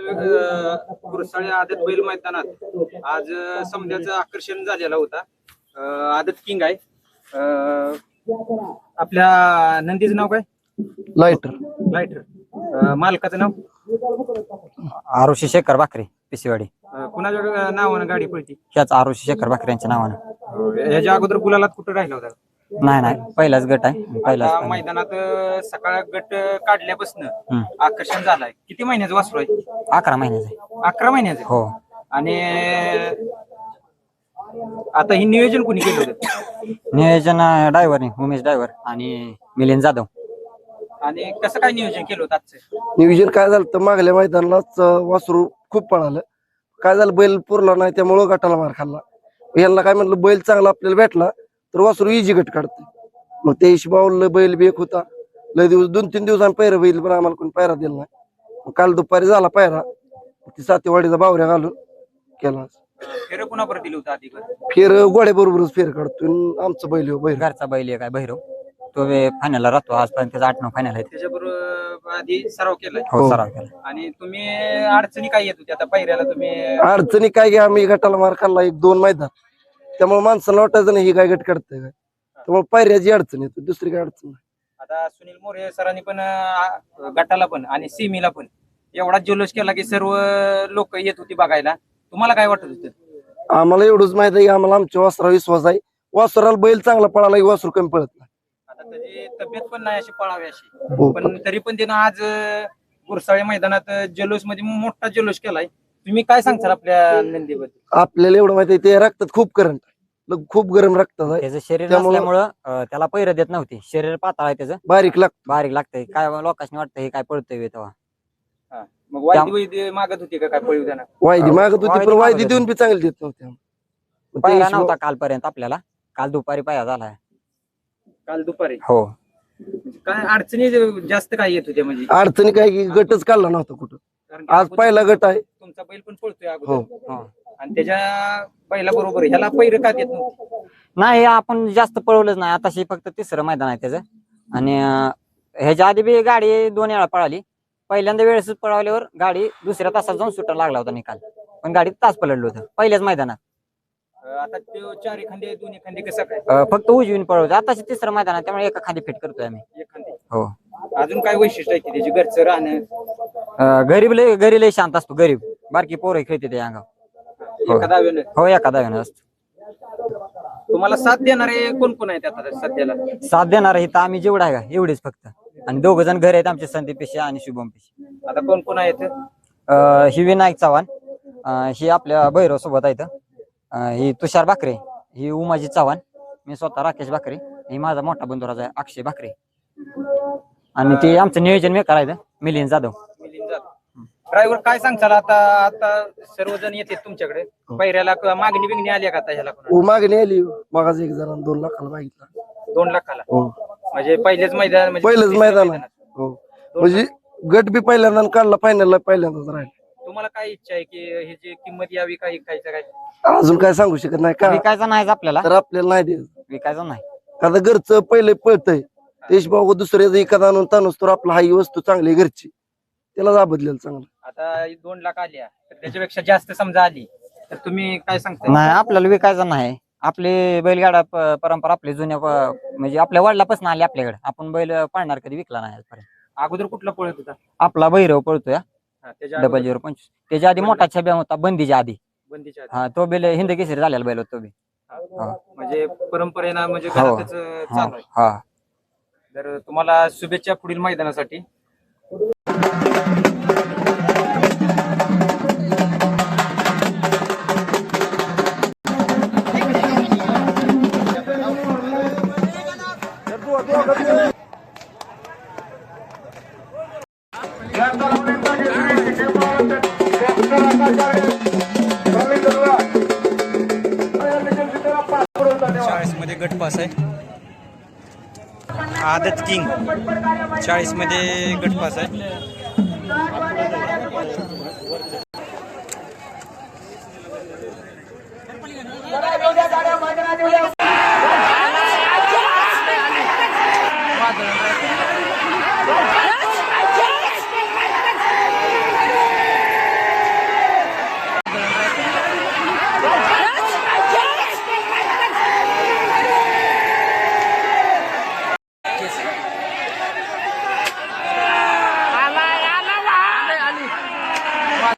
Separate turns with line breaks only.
गुरसाळे आदत बैल मैदानात आज समजाचं आकर्षण झालेला होता. आदत किंग आहे. आपल्या नंदीचं नाव काय? लायटर. मालकाचं नाव
आरुषी शेखर बाकरे पिसेवाडी.
कुणाच्या नावानं गाडी पळती?
ह्याच आरुषी शेखर बाकरे यांच्या नावानं.
ह्याच्या अगोदर गुलालात कुठं राहिला होता?
नाही पहिलाच गट आहे. पहिलाच
मैदानात सकाळ गट काढल्यापासून आकर्षण झालंय. किती महिन्याचं वासरू आहे?
11 महिन्याचं.
11 महिन्याचं.
हो.
आणि आता हे नियोजन कोणी केलं होतं?
नियोजन ड्रायव्हरने उमेश ड्रायव्हर आणि मिलिंद जाधव.
आणि कसं काय नियोजन केलं होतं आजचं?
नियोजन काय झालं तर मागल्या मैदानालाच वासरू खूप पळालं. काय झालं बैल पुरला नाही त्यामुळं गटाला मार खाल्ला. यांना काय म्हणलं बैल चांगला आपल्याला भेटला तर वासरू इजी गट काढते. मग त्या हिशोबावर बैल बी एक होता. लय दिवस 2-3 दिवसांनी पैरा बैल पण आम्हाला कोणी पैरा दिला नाही. मग काल दुपारी झाला पैरा. ती सातेवाडीचा बावऱ्या घालून केला.
फेर कुणाबरोबर दिलं होतं आधी?
फेर गोड्या बरोबरच फेर काढतो. आमचं बैल हो बैल
घरचा बैल आहे काय भैरव. तो फायनलला राहतो. आजपर्यंत त्याचा 8-9 फायनल आहे.
त्याच्याबरोबर आधी सराव केलाय?
हो सराव केला.
आणि तुम्ही अडचणी काय येत होती आता पायऱ्याला? तुम्ही
अडचणी काय घ्या आम्ही गटाला मार खाल्ला 1-2 मैदान. त्यामुळे माणसाला वाटायचं नाही ही काय गट काढतंय काय. त्यामुळे पायऱ्याची अडचण येते. दुसरी काय अडचण नाही.
आता सुनील मोरे सरांनी पण गटाला पण आणि सीमीला पण एवढा जल्लोष केला की सर्व लोक येत होती बघायला. तुम्हाला काय वाटत होतं?
आम्हाला एवढंच माहित आहे की आम्हाला आमच्या वासरावर विश्वास आहे. वासराला बैल चांगला पळाला की वासरू कमी पळत नाही.
आता त्याची तब्येत पण नाही अशी पळावी अशी, पण तरी पण त्यानं आज गुरसाळे मैदानात जल्लोष मध्ये मोठा जल्लोष केलाय. तुम्ही काय सांगताल आपल्या नंदीबद्दल?
आपल्याला एवढं माहिती आहे ते रक्तात खूप करंट आहे. खूप गरम रक्तात आहे.
त्याचं शरीर असल्यामुळं त्याला पैर देत नव्हती. शरीर पातळ आहे त्याचं.
बारीक
लागतंय. काय लोकांनी वाटतं हे काय पळतंय तेव्हा.
मग वायदी मागत होती का काय पळू द्या?
वायदी मागत होती पण वायदी देऊन बी चांगली देत नव्हती.
पायरा नव्हता कालपर्यंत आपल्याला. काल दुपारी पाया झालाय.
काल दुपारी?
हो.
काय अडचणी जास्त काय येत होत्या? म्हणजे
अडचणी काय की गटच काढला नव्हता कुठं. आज पहिला गट आहे.
तुमचा बैल पण पळतोय अगोदर आणि त्याच्या बैला बरोबर ह्याला पैर का देत नव्हतं?
नाही आपण जास्त पळवलंच नाही. आताशी फक्त 3रं मैदान आहे त्याचं. आणि ह्याच्या आधी बी गाडी 2 वेळा पळाली. पहिल्यांदा वेळेस पळवल्यावर गाडी दुसऱ्या तासात जाऊन सुटायला लागला होता निकाल. पण गाडीत तास पलटलं होतं पहिल्याच मैदानात.
आता 4 खांदे 2 खांदे कसं काय?
फक्त उजवीन पळवतो. आताशी 3रं मैदान आहे त्यामुळे एका खांदी फिट करतोय आम्ही.
एक खांदे.
हो.
अजून काय वैशिष्ट्य आहे त्याची? घरचं राहणं.
घरी लय शांत असतो. गरीब बारकी पोरं खेळते त्या अंगावर.
एका दाव्यानं?
हो एका दाव्यानं असतो.
तुम्हाला साथ देणारे कोण कोण आहेत आता सध्याला?
साथ देणार इथं आम्ही जेवढा आहे का एवढेच फक्त. आणि 2 जण घरी आहेत आमचे, संदीप पेशे आणि शुभम पेशे.
आता कोण कोण आहेत?
ही विनायक चव्हाण, ही आपल्या भैरव सोबत आहेत. ही तुषार बाकरे, ही उमाजी चव्हाण, मी स्वतः राकेश बाकरे, ही माझा मोठा बंधुराज आहे अक्षय बाकरे. आणि ते आमचं नियोजन मेकर आहेत मिलिंद जाधव.
ड्रायव्हर काय सांगताल? आता सर्वजण येते तुमच्याकडे पैऱ्याला. मागणी बिगणी आली का आता ह्याला?
मागणी आली. मगाच 1 जण 2 लाखाला मागितला.
2 लाखाला? म्हणजे पहिलेच मैदान?
पहिलेच मैदान. हो. म्हणजे गट बी पहिल्यांदा काढला. फायनलला पहिल्यांदाच राहिला.
तुम्हाला काय इच्छा आहे की ह्याची किंमत यावी का विकायचं काय?
अजून काय सांगू शकत नाही का.
विकायचा नाही आपल्याला.
तर आपल्याला नाही द्यायचं.
विकायचा नाही.
आता घरचं पहिले पळतंय. देशभाऊ दुसऱ्याचं एखादा आणून ताणूस तर आपला हा वस्तू चांगली घरची त्याला दाबदलेलं चांगलं.
आता 2 लाख आल्या तर त्याच्यापेक्षा जास्त समजा आली तर तुम्ही काय सांगता?
नाही आपल्याला विकायचा नाही. आपली बैलगाडा परंपरा आपली जुन्या म्हणजे आपल्या वडिलापासून आली आपल्याकडे. आपण बैल पाळणार कधी विकला नाही आजपर्यंत.
अगोदर कुठला पळत होता?
आपला भैरव पळतोय 0025. त्याच्या आधी मोठा छब्या होता बंदीच्या आधी. हा तो बैल हिंद केसरी झालेला बैल होता तो बी.
म्हणजे परंपरेनं म्हणजे घरातच चालू आहे.
हा.
तर तुम्हाला शुभेच्छा पुढील मैदानासाठी. मध्ये गटपास आहे. आदत किंग 40 मध्ये गटपास आहे.